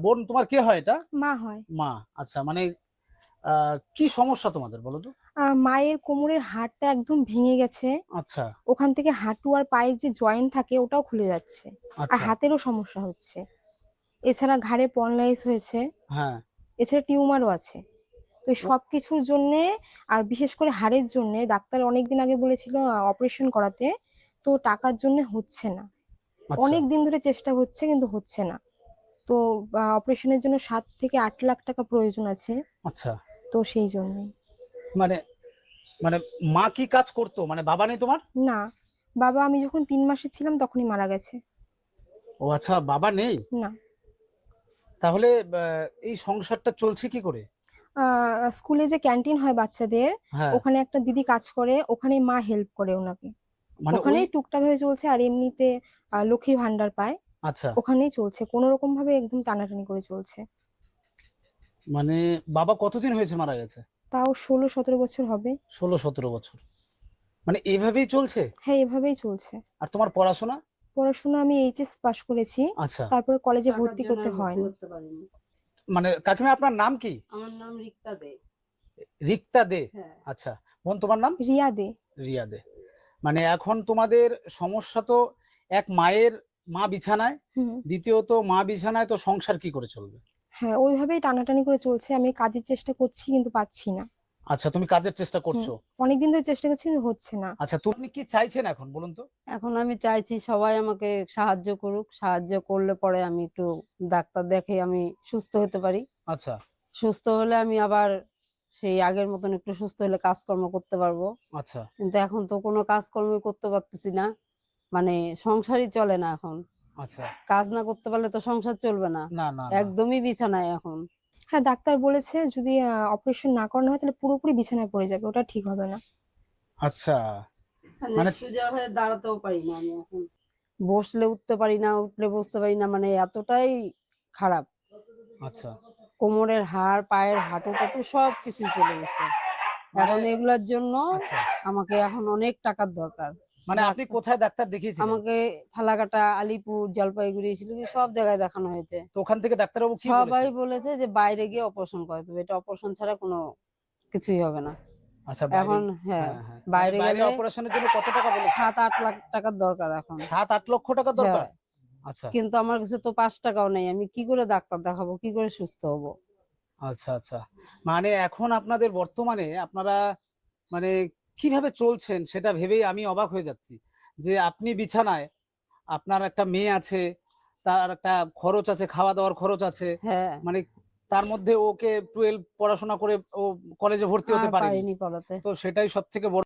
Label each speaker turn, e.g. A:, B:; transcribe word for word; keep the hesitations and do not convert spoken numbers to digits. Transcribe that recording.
A: বোন তোমার কে হয় এটা?
B: মা হয়।
A: মা। আচ্ছা, মানে আহ কি সমস্যা তোমাদের বলো তো?
B: আহ, মায়ের কোমরের হাড়টা একদম ভেঙে গেছে।
A: আচ্ছা
B: ওখান থেকে হাঁটু আর পায়ের যে জয়েন্ট থাকে ওটাও খুলে যাচ্ছে। আর
A: আচ্ছা।
B: হাতেরও সমস্যা হচ্ছে। এছাড়া ঘাড়ে পনলাইস হয়েছে।
A: হ্যাঁ।
B: এছাড়া টিউমারও আছে। তো এই
A: ও,
B: সবকিছুর জন্যে, আর বিশেষ করে হাড়ের জন্যে ডাক্তার অনেকদিন আগে বলেছিল অপারেশন করাতে। তো টাকার জন্য হচ্ছে না।
A: আচ্ছা
B: অনেক দিন ধরে চেষ্টা হচ্ছে কিন্তু হচ্ছে না। তো অপারেশনের জন্য সাত থেকে আট লাখ টাকা প্রয়োজন আছে।
A: আচ্ছা।
B: তো সেই জন্যই।
A: মানে মানে মা কি কাজ করতো, মানে বাবা নেই তোমার?
B: না, বাবা আমি যখন তিন মাসে ছিলাম তখনই মারা গেছে।
A: ও আচ্ছা, বাবা নেই।
B: না।
A: তাহলে আহ, এই সংসারটা চলছে কি করে?
B: আহ স্কুলে যে ক্যান্টিন হয় বাচ্চাদের,
A: হ্যাঁ।
B: ওখানে একটা দিদি কাজ করে, ওখানে মা হেল্প করে ওনাকে।
A: মানে ওই।
B: ওখানেই টুকটাক ভাবে চলছে, আর এমনিতে আহ, লক্ষ্মী ভান্ডার পায়।
A: আচ্ছা।
B: ওখানেই চলছে, কোনো রকম ভাবে একদম টানাটানি করে চলছে।
A: মানে বাবা কতদিন হয়েছে মারা গেছে?
B: তাও ষোলো সতেরো বছর হবে।
A: ষোলো সতেরো বছর। মানে এইভাবেই চলছে?
B: হ্যাঁ, এভাবেই চলছে।
A: আর তোমার পড়াশোনা?
B: পড়াশোনা আমি এইচএস পাশ করেছি।
A: আচ্ছা।
B: তারপরে কলেজে
C: টাকার
B: ভর্তি
C: জন্য
B: করতে
C: আর ভর্তি
B: হয়নি।
C: করতে পারিনি।
A: মানে কাকিমা আপনার নাম কি?
C: আমার নাম রিক্তা দে।
A: রিক্তা দে।
C: হ্যাঁ।
A: আচ্ছা। বোন তোমার নাম?
B: রিয়া দে।
A: রিয়া দে। মানে এখন তোমাদের সমস্যা তো, এক মায়ের, মা বিছানায়,
B: হুম।
A: দ্বিতীয়ত মা বিছানায়, তো সংসার কি করে চলবে?
B: হ্যাঁ, ওইভাবেই টানাটানি করে চলছে। আমি কাজের চেষ্টা করছি কিন্তু পাচ্ছি না।
A: আচ্ছা, তুমি কাজের চেষ্টা
B: হুম।
A: করছো।
B: অনেকদিন ধরে চেষ্টা করছি কিন্তু হচ্ছে না।
A: আচ্ছা, তুমি কি চাইছেন এখন বলুন তো?
C: এখন আমি চাইছি সবাই আমাকে সাহায্য করুক, সাহায্য করলে পরে আমি একটু ডাক্তার দেখে আমি সুস্থ হতে পারি।
A: আচ্ছা
C: সুস্থ হলে আমি আবার সেই আগের মতন একটু সুস্থ হলে কাজকর্ম করতে পারবো।
A: আচ্ছা
C: কিন্তু এখন তো কোনো কাজকর্মই করতে পারতেছি না, মানে সংসারই চলে না এখন।
A: আচ্ছা।
C: কাজ না করতে পারলে তো সংসার চলবে না।
A: না না না।
C: একদমই বিছানায় এখন।
B: হ্যাঁ, ডাক্তার বলেছে যদি অপারেশন না করানো হয় তাহলে পুরোপুরি বিছানায় পড়ে যাবে, ওটা ঠিক হবে না।
A: আচ্ছা।
C: মানে
A: মানে
C: সোজা হয়ে দাঁড়াতেও পারি না আমি এখন, বসলে উঠতে পারি না, উঠলে বসতে পারি না, মানে এতটাই খারাপ।
A: আচ্ছা।
C: কোমরের হাড়, পায়ের হাঁটু টাটু সব কিছুই চলে গেছে।
A: মানে
C: এখন এগুলোর জন্য
A: আচ্ছা,
C: আমাকে এখন অনেক টাকার দরকার।
A: মানে আপনি
C: ডাক্তার
A: কোথায় ডাক্তার দেখিয়েছিলেন?
C: আমাকে ফালাকাটা, আলিপুর, জলপাইগুড়ি, শিলিগুড়ি সব জায়গায় দেখানো হয়েছে।
A: তো ওখান থেকে ডাক্তারবাবু কি
C: সবাই
A: বলেছে?
C: বলেছে যে বাইরে গিয়ে অপারেশন করাতে হবে, এটা অপারেশন ছাড়া কোনো কিছুই হবে না।
A: আচ্ছা, বাইরে।
C: এখন হ্যাঁ,
A: হ্যাঁ হ্যাঁ, মানে
C: বাইরে
A: বাইরে
C: গেলে
A: অপারেশনের জন্য কত টাকা বলেছে?
C: সাত আট লাখ টাকার দরকার এখন।
A: সাত আট লক্ষ টাকা দরকার?
C: হ্যাঁ,
A: আচ্ছা
C: কিন্তু আমার কাছে তো পাঁচ টাকাও নেই, আমি কি করে ডাক্তার দেখাবো, কি করে সুস্থ হব?
A: আচ্ছা আচ্ছা। মানে এখন আপনাদের বর্তমানে আপনারা মানে কিভাবে চলছেন সেটা ভেবেই আমি অবাক হয়ে যাচ্ছি। যে আপনি বিছানায়, আপনার একটা মেয়ে আছে, তার একটা খরচ আছে, খাওয়া দাওয়ার খরচ আছে,
C: হ্যাঁ,
A: মানে তার মধ্যে ওকে টুয়েলভ পড়াশোনা করে ও কলেজে ভর্তি
C: আর
A: হতে পারেনি।
C: পারিনি পড়াতে।
A: তো সেটাই সব থেকে বড়